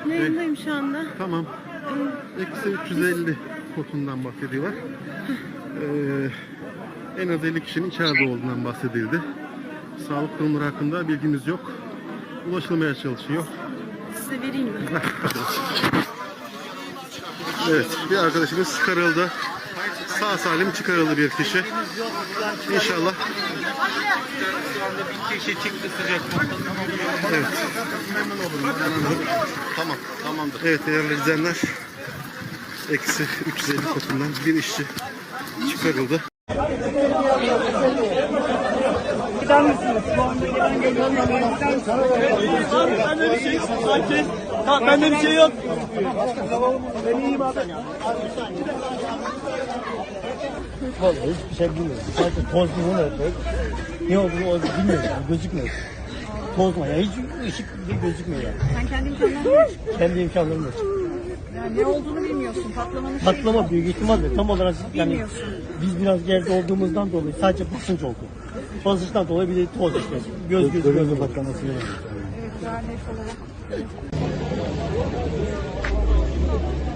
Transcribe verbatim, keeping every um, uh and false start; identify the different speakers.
Speaker 1: Yayındayım şu anda.
Speaker 2: Tamam. Eksi üç yüz elli kotundan bahsediyorlar. Ee, en az elli kişinin içeride olduğundan bahsedildi. Sağlık durumları hakkında bilgimiz yok. Ulaşılmaya çalışıyor.
Speaker 1: Size vereyim mi?
Speaker 2: Evet, bir arkadaşımız çıkarıldı. Sağ salim çıkarıldı bir kişi. İnşallah.
Speaker 3: Bir kişi çıktı sıcak.
Speaker 2: Evet.
Speaker 3: Tamam, tamamdır.
Speaker 2: Evet değerli izleyenler. Eksi üç yüz elli kotundan bir işçi çıkarıldı.
Speaker 4: Gider misiniz? Bende bir şey yok. Sakin. Tamam, bende bir şey yok. Ben iyiyim abi. Vallahi hiçbir şey bilmiyorum. Sadece toz bunu yapıyor. Ne olduğunu o bilmiyorum. Yani gözükmüyor. Toz mu? Yani hiç ışık gözükmüyor yani.
Speaker 1: Sen kendi imkanlarını ver.
Speaker 4: Kendi imkanlarım yok.
Speaker 1: Yani ne olduğunu bilmiyorsun. Patlama şey.
Speaker 4: Patlama büyük ihtimalle tam olarak yani
Speaker 1: Bilmiyorsun.
Speaker 4: biz biraz geride olduğumuzdan dolayı sadece basınç oldu. Basınçtan dolayı bir de toz işte. Göz göz göz patlaması.
Speaker 1: Evet, dernek olarak.